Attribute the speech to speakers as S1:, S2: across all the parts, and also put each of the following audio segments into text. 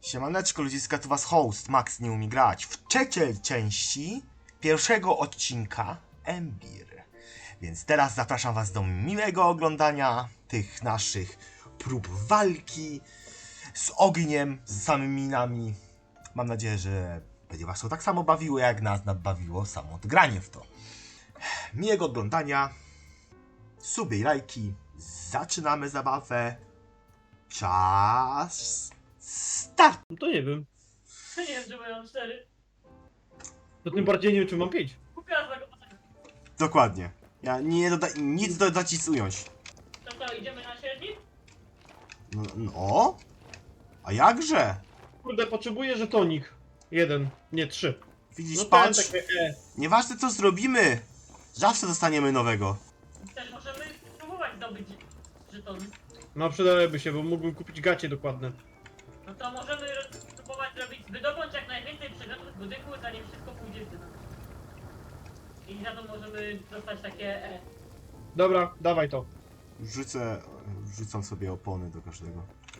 S1: Siemaneczko ludziska, tu was host, Max nie umie grać. W trzeciej części pierwszego odcinka Embir. Więc teraz zapraszam was do miłego oglądania tych naszych prób walki z ogniem, z samymi minami. Mam nadzieję, że będzie was to tak samo bawiło, jak nas bawiło samo odgranie w to. Miłego oglądania, suby i lajki, zaczynamy zabawę. Czas start!
S2: No to nie wiem.
S3: Ja nie wiem, czy mają 4.
S2: To tym bardziej nie wiem, czy mam 5.
S3: Kupiłam tego patrzeć.
S1: Dokładnie. Ja nie nic dodać, nic ująć.
S3: To co, idziemy na średni?
S1: No? A jakże?
S2: Kurde, potrzebuję żetonik. 1, nie 3.
S1: Widzisz,
S2: No ten
S1: patrz.
S2: takie
S1: Nieważne co zrobimy, zawsze dostaniemy nowego.
S3: Też możemy spróbować zdobyć żetony.
S2: No przydałyby się, bo mógłbym kupić gacie dokładne.
S3: No to możemy spróbować wydobądź jak najwięcej przedmiotów z budynku, zanim wszystko pójdzie w dno. I za to możemy dostać takie
S2: Dobra, dawaj to.
S1: Wrzucam sobie opony do każdego.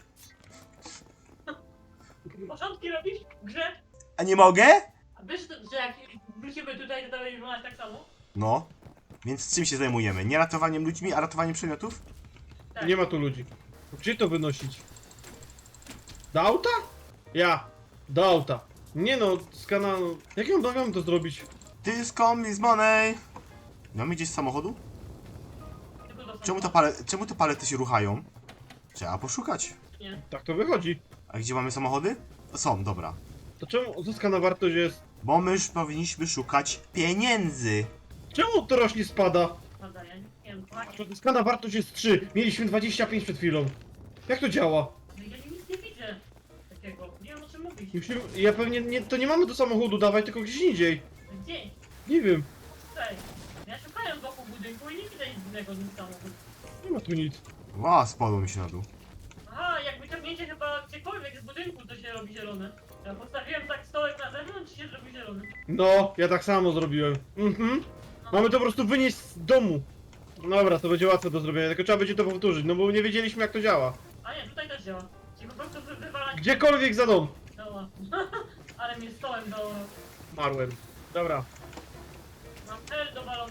S3: Porządki robisz w grze?
S1: A nie mogę?
S3: A wiesz, że jak wrócimy tutaj, to będzie wyglądać tak samo?
S1: No. Więc czym się zajmujemy? Nie ratowaniem ludźmi, a ratowaniem przedmiotów?
S3: Tak.
S2: Nie ma tu ludzi. Gdzie to wynosić? Do auta? Do auta. Nie no, z kanału. Jak ja mam to zrobić?
S1: This come is money. Mamy gdzieś z samochodu?
S3: Tylko do
S1: Czemu te palety się ruchają? Trzeba poszukać.
S3: Nie.
S2: Tak to wychodzi.
S1: A gdzie mamy samochody? Są, dobra.
S2: To czemu uzyskana wartość jest...
S1: Bo my już powinniśmy szukać pieniędzy.
S2: Czemu to rośnie spada?
S3: Prawda, ja nie wiem, kochanie.
S2: Uzyskana wartość jest 3. Mieliśmy 25 przed chwilą. Jak to działa?
S3: No ja nic nie widzę takiego. Nie wiem, o czym mówisz.
S2: Musimy, ja pewnie nie, to nie mamy do samochodu dawać, tylko gdzieś indziej.
S3: Gdzie?
S2: Nie wiem,
S3: Tutaj. Ja szukałem wokół budynku i nie widzę nic innego niż samochód.
S2: nie ma tu nic.
S1: Ła, spadło mi się na dół.
S3: Aha, jak wyciągnięcie chyba gdziekolwiek z budynku, to się robi zielone. Ja postawiłem tak stołek na zewnątrz i się zrobi zielony.
S2: No, ja tak samo zrobiłem. Mamy to po prostu wynieść z domu. Dobra, to będzie łatwe do zrobienia, tylko trzeba będzie to powtórzyć, no bo nie wiedzieliśmy jak to działa.
S3: A nie, tutaj też działa. Czyli po prostu wywalać
S2: Gdziekolwiek za dom.
S3: doła. Ale mnie stołem do...
S2: Marłem. Dobra.
S3: Mam L do balonu.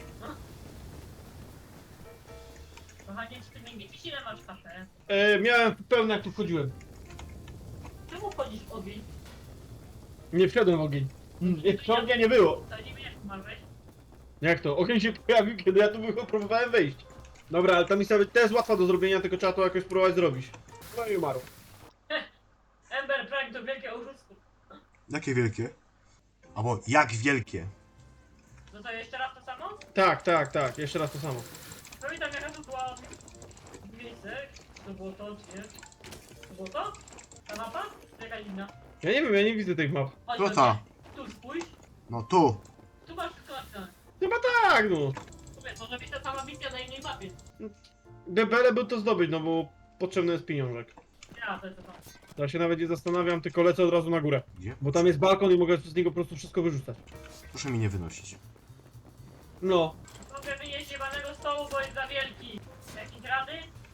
S3: Kochanie, czy ty nie widzisz ile masz kafe?
S2: Miałem pełne jak tu wchodziłem.
S3: Czemu wchodzisz w ogień?
S2: Nie wszedłem w ogień. Jeszcze ognia nie było.
S3: To nie wiem jak umarłeś.
S2: Jak to? Ogień się pojawił, kiedy ja tu próbowałem wejść. Dobra, ale ta misja też jest łatwa do zrobienia, tylko trzeba to jakoś spróbować zrobić. No i umarł.
S3: Ember Prime to wielkie oszustwo.
S1: Jakie wielkie? Albo jak wielkie?
S3: No to jeszcze raz to samo?
S2: Tak, jeszcze raz to samo.
S3: Pamiętam jaka to była miejsce. To było to, czy nie? To było to? Ta mapa? Czy jakaś inna?
S2: Ja nie wiem, ja nie widzę tych map.
S3: Chodź
S1: To
S3: do
S1: ta.
S3: mnie. Tu spójrz.
S1: No tu.
S3: Tu masz wszystko napisane.
S2: Chyba tak, no.
S3: Mówię, może być ta sama misja na innej mapie.
S2: Byle to zdobyć, no bo potrzebny jest pieniążek.
S3: Ja, to jest to samo.
S2: Ja się nawet nie zastanawiam, tylko lecę od razu na górę.
S1: Gdzie?
S2: Bo tam jest balkon i mogę z niego po prostu wszystko wyrzucać.
S1: Proszę mi nie wynosić.
S2: No.
S3: Mogę wynieść jebanego stołu, bo jest za wielki. Jakieś rady?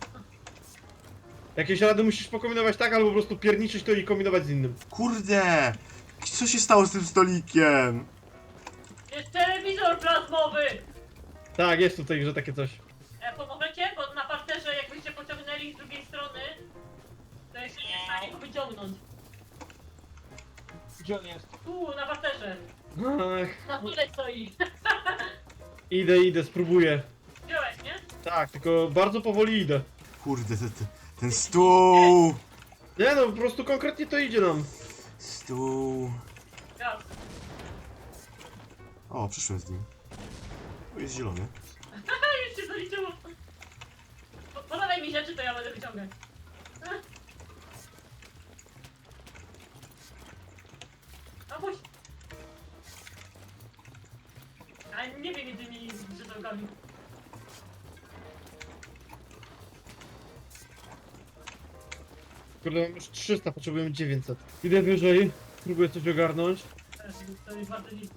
S2: Jakieś rady musisz pokombinować tak, albo po prostu pierniczyć to i kombinować z innym.
S1: Kurde! Co się stało z tym stolikiem?
S3: Jest telewizor plazmowy!
S2: Tak, jest tutaj, że takie coś.
S3: Pomożecie? Bo na parterze jakbyście pociągnęli z drugiej strony, to jeszcze nie w stanie go wyciągnąć.
S2: Gdzie on jest?
S3: Tu, na parterze.
S2: Ach,
S3: Na tyle stoi.
S2: idę, spróbuję.
S3: Wziąłeś, nie?
S2: Tak, tylko bardzo powoli idę.
S1: Kurde, ten stół!
S2: Nie no, po prostu konkretnie to idzie nam.
S1: Stół.
S3: Gaz.
S1: O, przyszłem z nim. Tu jest zielony.
S3: Już się zaliczyło. Podawaj mi rzeczy, to ja będę wyciągać. A puść. A nie wiem między tymi brzydełkami.
S2: Kurde, mam już 300, potrzebujemy 900. Idę wyżej, próbuję coś ogarnąć.
S3: To jest bardzo nic.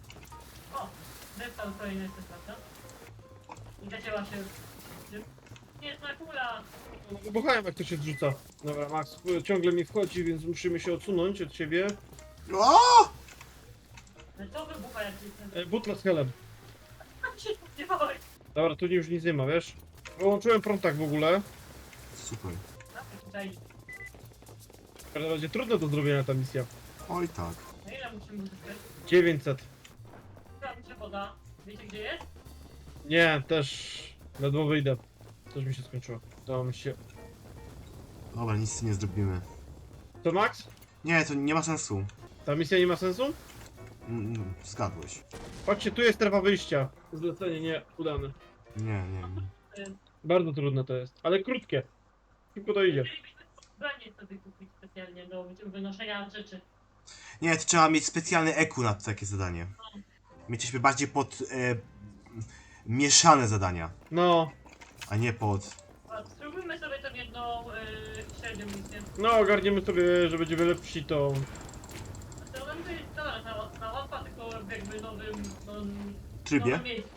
S3: O! Zeptał kolejny jeszcze, prawda? I zacięła się. Śnieżna kula!
S2: No wybuchają jak to się zrzuca. Dobra, Max ciągle mi wchodzi, więc musimy się odsunąć od ciebie.
S1: O!
S3: No co wybucha jak się
S2: Butla z helem.
S3: tam się spodziewałeś?
S2: Dobra, tu już nic nie ma, wiesz? Wyłączyłem prąd w ogóle.
S1: Super.
S3: Tutaj.
S2: W każdym razie trudno do zrobienia ta misja.
S1: Oj tak.
S3: Na ile musimy uzyskać?
S2: 900.
S3: Tam się woda. Wiecie gdzie jest?
S2: Nie, też ledwo wyjdę. Też mi się skończyło. Udało mi się.
S1: Dobra, nic z tym nie zrobimy.
S2: To Max?
S1: Nie, to nie ma sensu.
S2: Ta misja nie ma sensu?
S1: Zgadłeś.
S2: Patrzcie, tu jest strefa wyjścia. Zlecenie nie udane.
S1: Nie.
S2: Bardzo trudne to jest, ale krótkie. Szybko to idzie.
S3: Chcielibyśmy ubranie sobie kupić specjalnie do wynoszenia rzeczy.
S1: Nie, to trzeba mieć specjalny EQ na takie zadanie. Mieliśmy bardziej pod mieszane zadania,
S2: No,
S1: a nie pod...
S3: A spróbujmy sobie tą jedną średnią misję.
S2: no ogarniemy sobie, że będziemy lepsi, to...
S3: To będzie dobra, ta łatwa, tylko w jakby nowym...
S1: Trybie?
S3: nowym miejscu.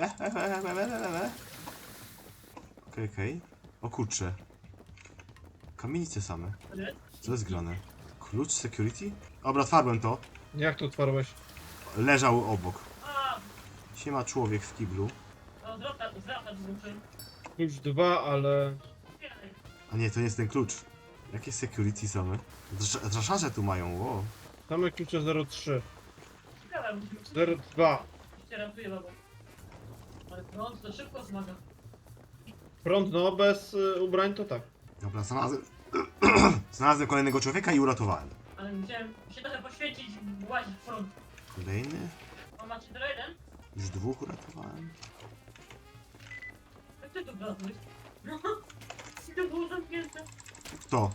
S1: Okej. O kurczę. Kamienice same.
S3: Nie?
S1: Co jest grane? Klucz security? Dobra, otwarłem to.
S2: Jak to otwarłeś?
S1: Leżał obok.
S3: A,
S1: Siema człowiek w kiblu.
S3: no zwracać muszę.
S2: Już 2, ale...
S1: A nie, to nie jest ten klucz. Jakie security same? Draszarze tu mają, wow.
S2: Same klucze 03.
S3: Ciekawe, musimy
S2: 02.
S3: się ratuje baba. Ale prąd to szybko zmaga.
S2: Prąd, no, bez ubrań to tak.
S1: Dobra, znalazłem... znalazłem kolejnego człowieka i uratowałem.
S3: Ale musiałem się trochę poświęcić, łazić w prąd.
S1: Kolejny?
S3: A macie tylko jeden?
S1: Już dwóch uratowałem.
S3: Jak ty tu wlazłeś? No, i to było zamknięte.
S1: Kto?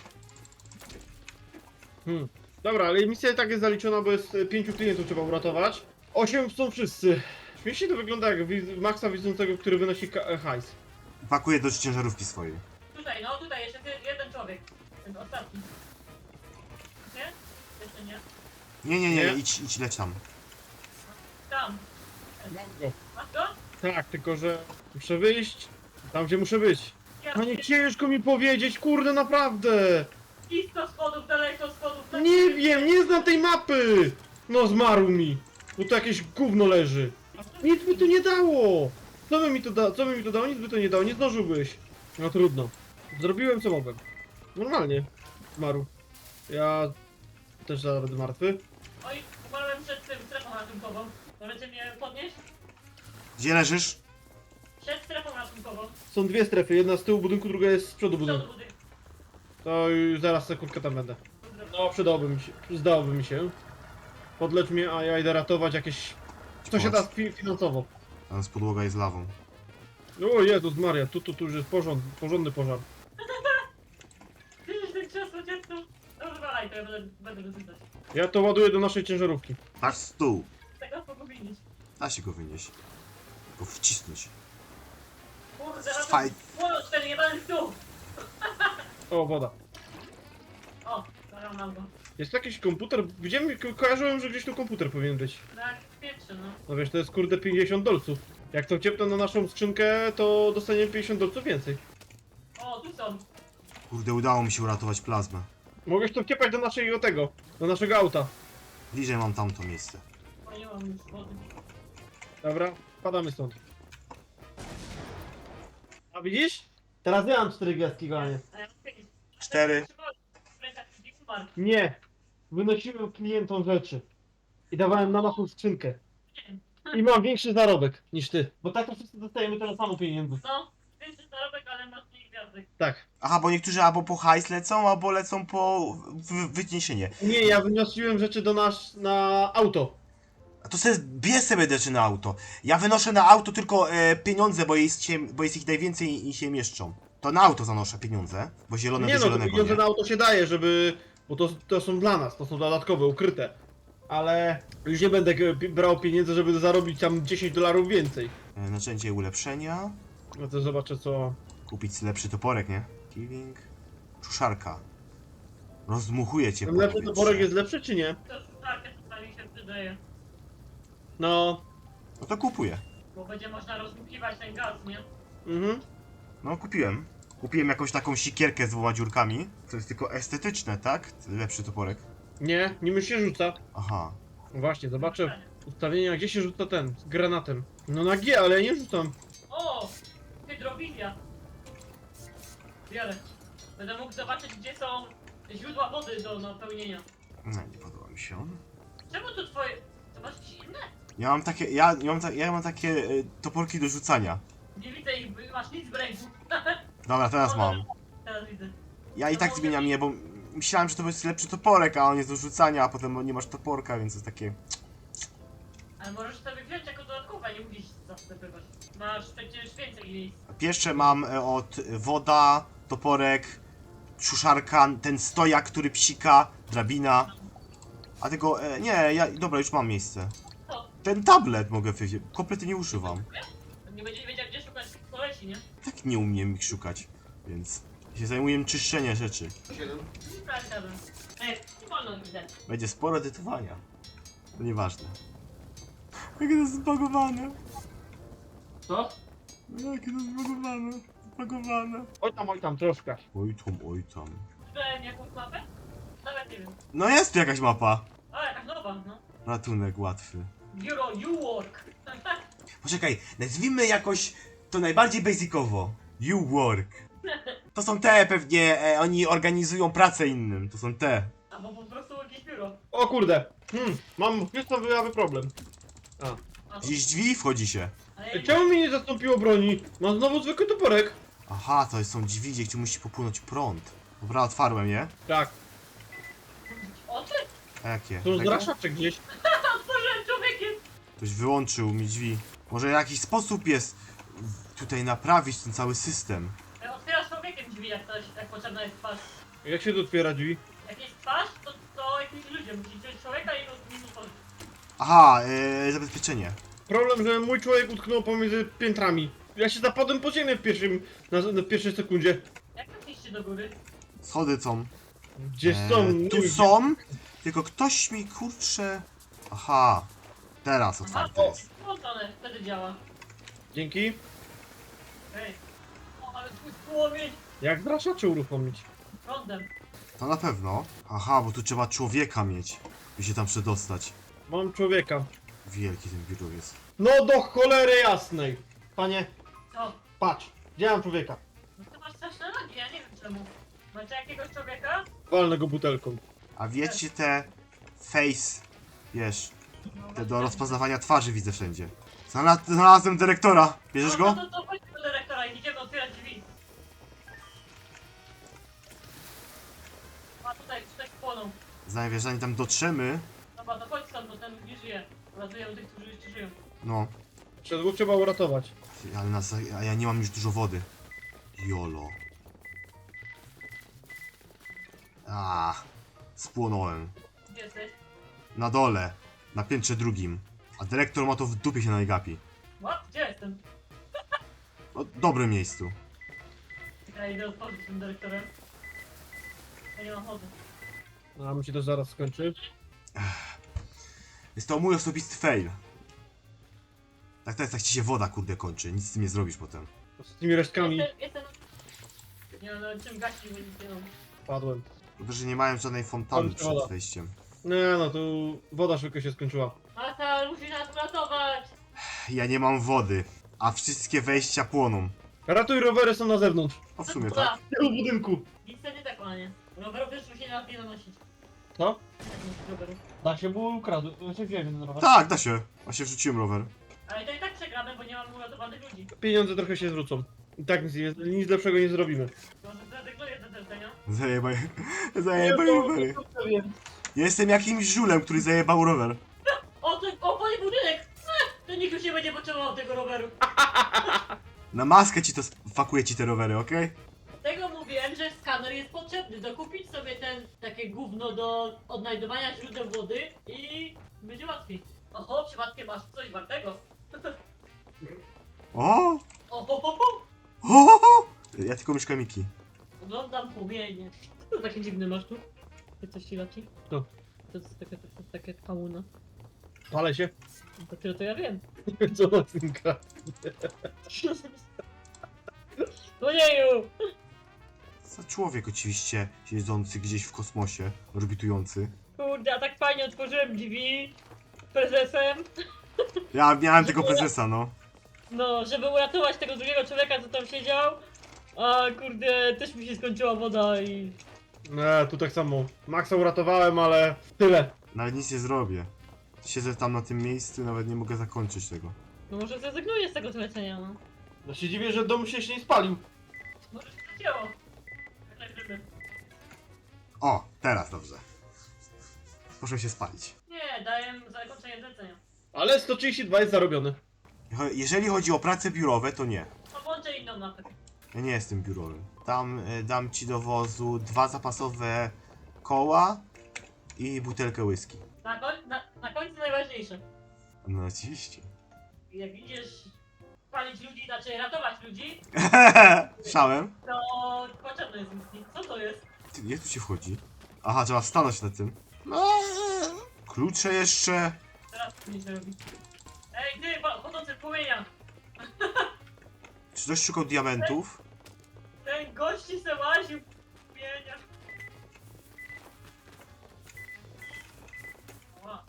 S2: Dobra, ale misja i tak jest zaliczona, bo jest 5 klientów trzeba uratować. 8 są wszyscy. Śmiesznie to wygląda jak Maxa widzącego, który wynosi hajs.
S1: Pakuję do ciężarówki swojej.
S3: Tutaj, no tutaj jeszcze jeden człowiek. Ten ostatni. Nie? Jeszcze nie.
S1: Nie,
S2: Nie?
S1: idź leć tam.
S3: Tam.
S2: Mam go.
S3: Masz go?
S2: Tak, tylko że muszę wyjść tam, gdzie muszę być.
S3: Ja
S2: A nie ciężko mi powiedzieć, kurde, naprawdę!
S3: blisko schodów, daleko schodów. tak-
S2: Nie wiem, nie znam tej mapy! No zmarł mi, bo tu jakieś gówno leży. Nic by to nie dało! Co by mi to dało? Nic by to nie dało, nie zdążyłbyś. No trudno. Zrobiłem co mogłem. Normalnie. Zmarł. Ja też zaraz będę martwy.
S3: Oj, umarłem przed tym strefą ratunkową. Możecie mnie podnieść?
S1: Gdzie leżysz?
S3: Przed strefą ratunkową.
S2: Są dwie strefy, jedna z tyłu budynku, druga jest z przodu
S3: Przodu
S2: budynku.
S3: budynku.
S2: To już zaraz sekundkę tam będę. No, przydałoby mi się. Podlecz mnie, a ja idę ratować jakieś... Co się da finansowo.
S1: Tam z podłoga jest lawą.
S2: O Jezus Maria, tu już jest porządny pożar.
S3: Widzisz ten krzesło dziecko? Dobra, walaj, to ja będę dosycać.
S2: Ja to ładuję do naszej ciężarówki.
S1: Patrz stół.
S3: Tego pogubić.
S1: Da się go wynieść. Go wcisnąć.
S3: Kurde,
S1: Faj-
S3: Płonąć ten jebany stół!
S2: O, woda.
S3: O, zaraz mam go.
S2: Jest tu jakiś komputer? Widziałem, kojarzyłem, że gdzieś tu komputer powinien być.
S3: Tak, pierwszy, no.
S2: No wiesz, to jest kurde 50 dolców. Jak to ciepną na naszą skrzynkę, to dostaniemy 50 dolców więcej.
S3: O, tu są.
S1: Kurde, udało mi się uratować plazmę.
S2: Mogłeś to wciepać do naszego auta.
S1: Bliżej mam tamto miejsce.
S3: O, nie mam już wody.
S2: Dobra, padamy stąd. A widzisz? Teraz ja mam 4 gwiazdki, kochanie.
S3: A ja mam 5.
S1: 4.
S2: Nie. Wynosiłem klientom rzeczy. I dawałem na naszą skrzynkę. I mam większy zarobek niż ty. Bo tak to wszyscy dostajemy tyle samo pieniędzy.
S3: No, większy zarobek, ale masz mniej gwiazdek.
S2: Tak.
S1: Aha, bo niektórzy albo po hajs lecą, albo lecą po wyniesienie.
S2: Nie, ja wynosiłem rzeczy na auto.
S1: A to bierz sobie rzeczy na auto. Ja wynoszę na auto tylko pieniądze, bo jest ich najwięcej i się mieszczą. To na auto zanoszę pieniądze, bo zielone
S2: Nie
S1: do
S2: no, to
S1: zielonego,
S2: pieniądze
S1: nie?
S2: na auto się daje, żeby... Bo to są dla nas, to są dodatkowe, ukryte. Ale już nie będę brał pieniędzy, żeby zarobić tam 10 dolarów więcej.
S1: Narzędzie ulepszenia.
S2: No to zobaczę co...
S1: Kupić lepszy toporek, nie? Killing. Czuszarka. Rozdmuchuje cię
S2: Ten
S1: po
S2: lepszy
S1: powietrze.
S2: toporek jest lepszy czy nie?
S3: To szklarkę tutaj się przydaje.
S2: No...
S1: No to kupuję.
S3: Bo będzie można rozdmuchiwać ten gaz, nie?
S2: Mhm.
S1: No, kupiłem. Kupiłem jakąś taką sikierkę z 2 dziurkami. To jest tylko estetyczne, tak? Lepszy toporek.
S2: Nie, nim się rzuca.
S1: Aha.
S2: No właśnie, zobaczę ustawienia, gdzie się rzuca ten, z granatem. No na G, ale ja nie rzucam.
S3: O! Hydrowilia. Biorę. Będę mógł zobaczyć, gdzie są źródła wody do napełnienia.
S1: No, nie podoba mi się on.
S3: Czemu to twoje... To masz jakieś inne?
S1: Ja mam takie toporki do rzucania.
S3: Nie widzę ich, masz nic w ręku.
S1: Dobra, teraz mam.
S3: Teraz widzę.
S1: Ja i tak zmieniam je, bo myślałem, że to jest lepszy toporek, a on jest do rzucania, a potem nie masz toporka, więc jest takie...
S3: Ale możesz sobie wziąć jako dodatkowe, nie musisz zastępować. Masz przecież więcej miejsc.
S1: Pierwsze mam od woda, toporek, suszarka, ten stojak, który psika, drabina. A tego, dobra, już mam miejsce.
S3: Co?
S1: Ten tablet mogę wziąć, kompletnie nie używam.
S3: Nie będziesz wiedział, gdzie szukać kolesi, nie?
S1: Tak nie umiem ich szukać, więc się zajmuję czyszczeniem rzeczy.
S3: Prawda. Ej, nie wolno mi dać.
S1: Będzie sporo edytowania. To nieważne. Jakie to jest zbagowane.
S3: Co?
S1: Jakie to jest zbagowane. Zbagowane.
S2: Oj tam, troszkę.
S1: Oj tam, oj tam.
S3: Czytałem jakąś mapę? Nawet nie wiem.
S1: No jest tu jakaś mapa.
S3: O, jakaś nowa, no.
S1: Ratunek łatwy.
S3: Bureau You Work.
S1: Poczekaj, nazwijmy jakoś to najbardziej basicowo. You work. To są te pewnie, oni organizują pracę innym. To są te.
S3: Albo po prostu jakieś biuro.
S2: O kurde. Mam wystawiony problem.
S3: A,
S1: Gdzieś drzwi wchodzi się.
S3: ale
S2: Ej, czemu mi nie zastąpiło broni? Mam znowu zwykły toporek.
S1: Aha, to są drzwi, gdzie musi popłynąć prąd. Dobra, otwarłem je.
S2: Tak,
S3: oczy?
S1: A jakie?
S2: to już
S1: Tego?
S2: zraszaczek gdzieś.
S3: Otworzyłem człowiekiem.
S1: Ktoś wyłączył mi drzwi. Może jakiś sposób jest tutaj naprawić ten cały system.
S3: Otwierasz człowiekiem drzwi, jak potrzebna jest twarz.
S2: Jak się tu otwiera drzwi?
S3: Jak jest twarz, to jakimś ludziom musisz wziąć człowieka i nim otworzyć.
S1: Aha, zabezpieczenie.
S2: Problem, że mój człowiek utknął pomiędzy piętrami. Ja się zapadłem po ziemię w pierwszej sekundzie.
S3: Jak weszliście do góry?
S1: Schody są.
S2: Gdzie są?
S1: Tu są, tylko ktoś mi kurczę... Aha, teraz otwarte jest.
S3: Włączone, wtedy działa.
S2: Dzięki.
S3: Ej. O, ale twój płomień
S2: Jak zraszacze uruchomić?
S3: prądem.
S1: To na pewno. Aha, bo tu trzeba człowieka mieć, by się tam przedostać.
S2: Mam człowieka.
S1: Wielki ten biuro jest.
S2: No do cholery jasnej. Panie,
S3: Co?
S2: patrz. Gdzie mam człowieka?
S3: No ty masz straszne nogi, ja nie wiem czemu. Macie jakiegoś człowieka?
S2: Walnę go butelką.
S1: A wiecie te face, wiesz,
S3: No,
S1: te do rozpoznawania twarzy widzę wszędzie. Znalazłem dyrektora. Bierzesz go?
S3: No to chodź do dyrektora i idziemy otwierać drzwi. A tutaj płoną.
S1: Zanim tam dotrzemy,
S3: Dobra, to chodź stąd, bo ten już nie żyje. Uratują tych, którzy jeszcze żyją.
S1: no.
S2: Przez dwóch trzeba uratować.
S1: A ja nie mam już dużo wody. Jolo. Spłonąłem.
S3: Gdzie jesteś?
S1: Na dole, na piętrze drugim. A dyrektor ma to w dupie się najgapi.
S3: What? Gdzie jestem?
S1: No, dobrym miejscu.
S3: Ja idę otworzyć tym dyrektorem. Ja nie mam wody.
S2: No, a mi się to zaraz skończy.
S1: Jest to mój osobisty fail. Tak to jest, jak ci się woda kurde kończy, nic z tym nie zrobisz potem.
S2: Z tymi resztkami
S3: Jestem... Nie mam nawet czym gasić, bo nic nie mam.
S2: padłem.
S1: Dobrze, że nie mają żadnej fontanny
S2: Kończy woda.
S1: przed wejściem.
S2: Nie no, tu woda szybko się skończyła.
S3: Mata, musi nas uratować!
S1: Ja nie mam wody, a wszystkie wejścia płoną.
S2: Ratuj, rowery są na zewnątrz.
S1: O, w sumie
S3: Dobra,
S1: tak.
S2: W tylu budynku.
S3: nic to nie tak, panie. Rowerów też się nie nanosić.
S2: Co?
S3: Rowerów.
S2: Da się, było ukradł. Znaczy wziąłem ten rower.
S1: Tak, da się. Właśnie wrzuciłem rower.
S3: Ale to i tak przegramy, bo nie mam uratowanych ludzi.
S2: Pieniądze trochę się zwrócą. I tak nic lepszego nie zrobimy.
S3: Może zrezygnuję ze zlecenia?
S1: Zajebaj rowery. Ja jestem jakimś żulem, który zajebał rower.
S3: O, panie budynek! To nikt już nie będzie potrzebował tego roweru.
S1: Na maskę ci to fakuje ci te rowery, okej?
S3: Tego mówiłem, że skaner jest potrzebny. Dokupić sobie takie gówno do odnajdowania źródeł wody i będzie łatwiej. Oho, przypadkiem masz coś wartego.
S1: O!
S3: Oho,
S1: O! Ja tylko mieszkam Miki.
S3: oglądam płomienie. Co to takie dziwne masz tu? Ty coś ci leci?
S2: Co?
S3: To jest takie kałuna.
S2: Palę się.
S3: Dopiero to ja wiem.
S2: Co na tym gra?
S3: Ojeju!
S1: Za człowiek oczywiście, siedzący gdzieś w kosmosie, orbitujący.
S3: Kurde, a tak fajnie otworzyłem drzwi prezesem.
S1: Ja miałem tego prezesa, no.
S3: No, żeby uratować tego drugiego człowieka, co tam siedział. A kurde, też mi się skończyła woda i...
S2: Nie, tu tak samo. Maxa uratowałem, ale tyle.
S1: Nawet nic nie zrobię. Siedzę tam na tym miejscu i nawet nie mogę zakończyć tego.
S3: No może zrezygnuję z tego zlecenia, no.
S2: No się dziwię, że dom się nie spalił.
S3: Może się zacięło. Tak żeby.
S1: O, teraz dobrze. Proszę się spalić.
S3: Nie, daję zakończenie zlecenia.
S2: Ale 132 jest zarobione.
S1: Jeżeli chodzi o prace biurowe, to nie.
S3: To włączę inną mapę.
S1: Ja nie jestem biurowym. Tam dam ci do wozu 2 zapasowe koła i butelkę whisky.
S3: Na końcu najważniejsze.
S1: No oczywiście.
S3: Jak idziesz palić ludzi, znaczy ratować ludzi,
S1: Słyszałem.
S3: to potrzebny jest whisky. Co to jest?
S1: Ty, jak tu się wchodzi? Aha, trzeba stanąć na tym. Klucze jeszcze.
S3: Teraz co będziemy robić? Ej ty, chodzący w płomieniach!
S1: Czy ktoś szukał diamentów?
S3: Ten gości se łaził w płomieniach. Ła.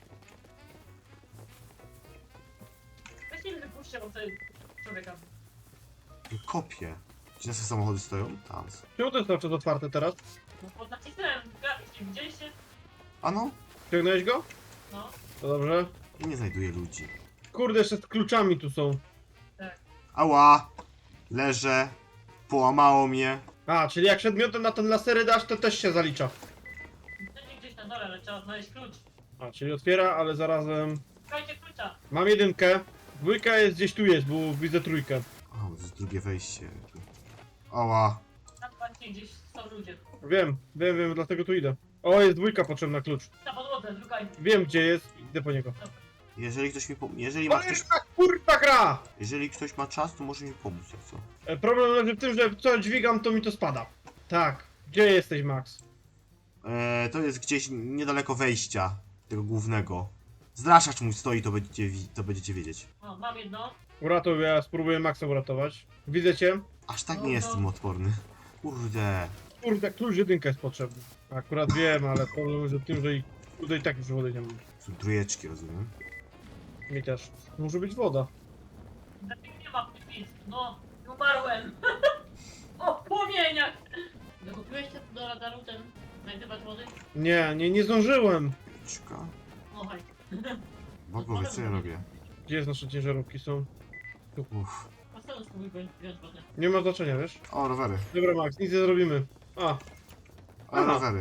S3: Weź nie wypuszczę od tego człowieka.
S1: Kopie. Gdzie nasze samochody stoją? Tam.
S2: Czemu to jest cały czas otwarte teraz?
S3: No pod nacisnąłem grafik, nie widzieliście?
S1: A no?
S2: Ciągnąłeś go?
S3: No,
S2: To dobrze.
S1: I nie znajduję ludzi.
S2: Kurde, jeszcze z kluczami tu są.
S3: tak.
S1: Ała! Leżę. Połamało mnie.
S2: A, czyli jak przedmiotem na ten lasery dasz, to też się zalicza.
S3: Pewnie gdzieś na dole, ale trzeba znaleźć klucz.
S2: A, czyli otwiera, ale zarazem...
S3: Szukajcie klucza.
S2: Mam jedynkę. Dwójka jest gdzieś tu jest, bo widzę trójkę.
S1: O, to jest drugie wejście. Ała.
S3: Tam właśnie gdzieś są ludzie.
S2: Wiem, dlatego tu idę. O, jest dwójka potrzebna klucz.
S3: Na podłodze, szukaj.
S2: Wiem gdzie jest, idę po niego.
S1: Jeżeli ktoś mi jeżeli ma
S2: Ale
S1: ktoś...
S2: jest ta kurwa gra!
S1: Jeżeli ktoś ma czas, to może mi pomóc, jak co?
S2: Problem leży w tym, że co dźwigam, to mi to spada. Tak. Gdzie jesteś, Max?
S1: To jest gdzieś niedaleko wejścia tego głównego. Zraszacz mój stoi, to będziecie wiedzieć.
S3: O, mam jedno.
S2: Uratuj, ja spróbuję Maxa uratować. Widzę cię.
S1: Aż tak
S3: No
S1: nie
S3: to-
S1: jestem odporny. Kurde.
S2: Kurde, klucz jedynka jest potrzebny. Akurat wiem, ale problem leży w tym, że i tutaj tak już wody nie mam.
S1: Są trójeczki, rozumiem.
S2: Mi też. Może być woda.
S3: Dlaczego nie ma nic? No, umarłem. O, w płomieniach. Dokupiłeś się do radaru ten znajdywać wody?
S2: Nie zdążyłem.
S1: Czeka.
S3: O, haj.
S1: Bo powiedz, co ja robię.
S2: Gdzie nasze ciężarówki są?
S1: Uff.
S3: A co spróbuj wziąć wodę?
S2: Nie ma znaczenia, wiesz?
S1: O, rowery.
S2: Dobra, Max, nic nie zrobimy. A,
S1: O,
S2: Aha.
S1: rowery.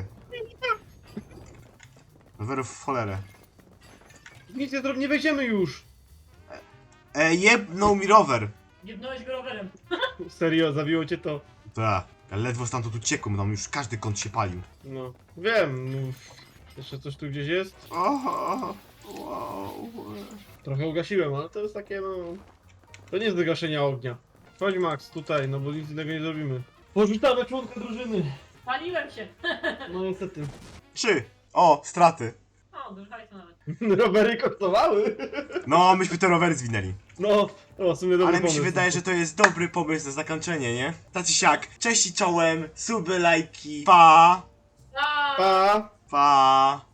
S1: Rowerów w cholerę.
S2: nic nie zrobimy, nie wejdziemy już.
S1: Jebnął mi rower.
S3: Jebnąłeś go rowerem.
S2: Serio, zabiło cię to.
S1: Tak. Ja ledwo stamtąd uciekłem, tam już każdy kąt się palił.
S2: No, wiem. No. Jeszcze coś tu gdzieś jest?
S1: Oho, wow.
S2: Trochę ugasiłem, ale to jest takie, no... To nie jest do gaszenia ognia. Chodź, Max, tutaj, no bo nic innego nie zrobimy. Porzucamy członka drużyny.
S3: Paliłem się.
S2: No niestety.
S1: 3. O, straty.
S3: O, dużo hajsu nawet.
S2: Rowery kosztowały.
S1: No, myśmy te rowery zwinęli.
S2: No, w sumie dobry
S1: Ale mi się
S2: pomysł.
S1: wydaje, że to jest dobry pomysł na zakończenie, nie? Tacy siak. Cześć i czołem, suby, lajki, pa!
S3: A!
S2: Pa!
S1: Pa!